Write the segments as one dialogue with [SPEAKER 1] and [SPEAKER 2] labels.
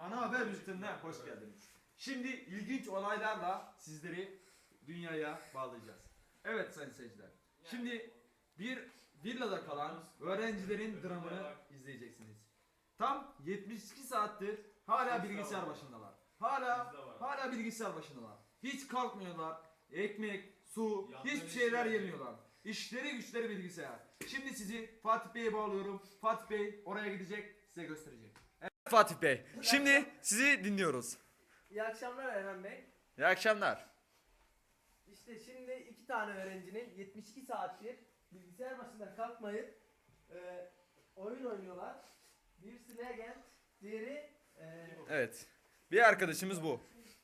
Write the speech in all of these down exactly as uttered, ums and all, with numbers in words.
[SPEAKER 1] Ana haber bültenine hoş geldiniz. Şimdi ilginç olaylarla sizleri dünyaya bağlayacağız. Evet sayın seyirciler. Şimdi bir villada kalan öğrencilerin dramını izleyeceksiniz. Tam yetmiş iki saattir hala bilgisayar başındalar. Hala hala bilgisayar başındalar. Hiç kalkmıyorlar. Ekmek, su, hiçbir şeyler yemiyorlar. İşleri güçleri bilgisayar. Şimdi sizi Fatih Bey'e bağlıyorum. Fatih Bey oraya gidecek, size gösterecek. Evet Fatih Bey. Şimdi sizi dinliyoruz.
[SPEAKER 2] İyi akşamlar Erhan Bey.
[SPEAKER 1] İyi akşamlar.
[SPEAKER 2] İşte şimdi iki tane öğrencinin yetmiş iki saattir bilgisayar başında kalkmayıp e, oyun oynuyorlar. Birisi Legend, diğeri e,
[SPEAKER 1] Evet. Bir arkadaşımız bu.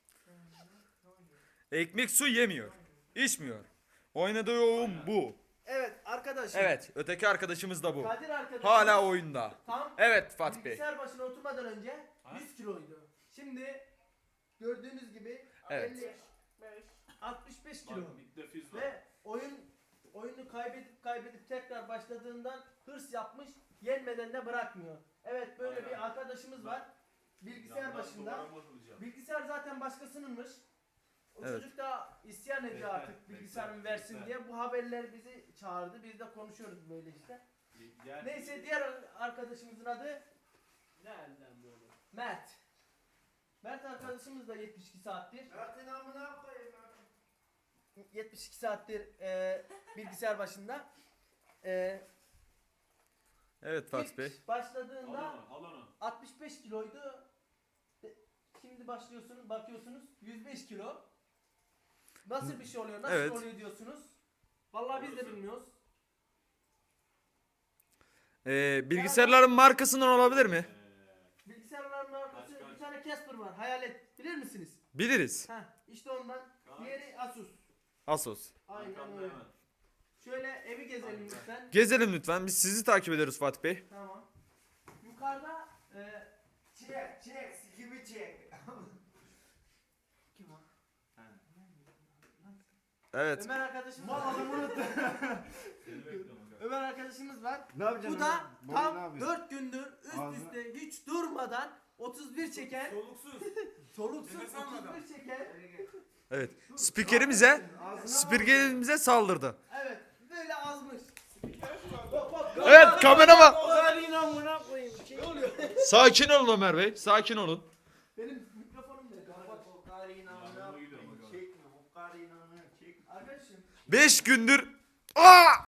[SPEAKER 1] Ekmek su yemiyor. İçmiyor. Oynadığı oyun bu.
[SPEAKER 2] evet arkadaşım.
[SPEAKER 1] Evet. Öteki arkadaşımız da bu.
[SPEAKER 2] Kadir arkadaşım.
[SPEAKER 1] Hala oyunda.
[SPEAKER 2] Tam
[SPEAKER 1] Evet Fatih Bey.
[SPEAKER 2] bilgisayar başına oturmadan önce yüz kiloydu. Şimdi gördüğünüz gibi
[SPEAKER 1] Evet.
[SPEAKER 2] elli beş, altmış beş kilo.
[SPEAKER 3] Bak, bir defiz var.
[SPEAKER 2] Ve oyun oyunu kaybedip kaybedip tekrar başladığından hırs yapmış, yenmeden de bırakmıyor. Evet böyle
[SPEAKER 3] Aynen.
[SPEAKER 2] bir arkadaşımız var. Bilgisayar
[SPEAKER 3] Yandan
[SPEAKER 2] başında.
[SPEAKER 3] duvara bakılacak.
[SPEAKER 2] Bilgisayar zaten başkasınınmış. O
[SPEAKER 1] Evet.
[SPEAKER 2] çocuk da isyan ediyor
[SPEAKER 3] Bekle,
[SPEAKER 2] artık
[SPEAKER 3] bekle,
[SPEAKER 2] bilgisayarımı versin
[SPEAKER 3] bekle.
[SPEAKER 2] diye. Bu haberler bizi çağırdı. Biz de konuşuyoruz böyle işte.
[SPEAKER 3] Gel.
[SPEAKER 2] Neyse diğer arkadaşımızın adı
[SPEAKER 3] Nereden böyle?
[SPEAKER 2] Mert. Mert arkadaşımız da yetmiş iki saattir.
[SPEAKER 4] Mert'in amına koyayım.
[SPEAKER 2] yetmiş iki saattir e, bilgisayar başında. E,
[SPEAKER 1] Evet Fatih Bey.
[SPEAKER 2] ilk başladığında
[SPEAKER 3] Al onu, al onu.
[SPEAKER 2] altmış beş kiloydu. E, Şimdi başlıyorsunuz, bakıyorsunuz yüz beş kilo. Nasıl bir şey oluyor? Nasıl
[SPEAKER 1] Evet.
[SPEAKER 2] oluyor diyorsunuz? Vallahi biz de
[SPEAKER 3] Orası.
[SPEAKER 2] bilmiyoruz.
[SPEAKER 1] Ee, bilgisayarların markasından olabilir mi?
[SPEAKER 3] Ee,
[SPEAKER 2] Bilgisayarların arkası
[SPEAKER 3] Kaç, kaç?
[SPEAKER 2] bir tane Casper var. Hayalet. Bilir misiniz?
[SPEAKER 1] Biliriz.
[SPEAKER 2] Heh, işte ondan.
[SPEAKER 3] Kaç?
[SPEAKER 2] Diğeri Asus.
[SPEAKER 1] Asos.
[SPEAKER 2] Aynen
[SPEAKER 3] arkamda
[SPEAKER 2] öyle.
[SPEAKER 3] hemen.
[SPEAKER 2] Şöyle evi gezelim
[SPEAKER 3] Aynen.
[SPEAKER 2] lütfen.
[SPEAKER 1] Gezelim lütfen. Biz sizi takip ediyoruz Fatih Bey.
[SPEAKER 2] Tamam. Yukarıda e,
[SPEAKER 4] Çek çek sikimi çek.
[SPEAKER 2] kim o?
[SPEAKER 1] Evet.
[SPEAKER 2] Ömer arkadaşımız
[SPEAKER 4] Mal
[SPEAKER 2] var.
[SPEAKER 4] adamı unuttum.
[SPEAKER 3] Seni bekliyorum.
[SPEAKER 2] Ömer arkadaşımız var.
[SPEAKER 4] Ne yapacaksın?
[SPEAKER 2] Bu da
[SPEAKER 4] lan? Baba, ne
[SPEAKER 2] tam
[SPEAKER 4] yapıyorsun?
[SPEAKER 2] dört gündür üst
[SPEAKER 4] Ağzına-
[SPEAKER 2] üste hiç durmadan otuz bir çeken,
[SPEAKER 3] Soluksuz.
[SPEAKER 2] soluksuz
[SPEAKER 3] Nefes almadan.
[SPEAKER 2] otuz bir çeken.
[SPEAKER 1] Evet. Spikerimize
[SPEAKER 4] Ağzına
[SPEAKER 1] spikerimize saldırdı.
[SPEAKER 2] Evet, böyle azmış. Bak, bak,
[SPEAKER 1] Evet kameraman.
[SPEAKER 4] Oğlanın amına koyayım.
[SPEAKER 2] Ne oluyor?
[SPEAKER 1] Sakin olun Ömer Bey. Sakin olun.
[SPEAKER 2] Benim mikrofonum nerede? Bak,
[SPEAKER 4] O karıyın amına
[SPEAKER 3] Yanıma gidiyorum,
[SPEAKER 4] koyayım.
[SPEAKER 3] bak.
[SPEAKER 4] Çekme. O karıyın amına çekme.
[SPEAKER 2] arkadaşım.
[SPEAKER 1] Beş gündür. Aa!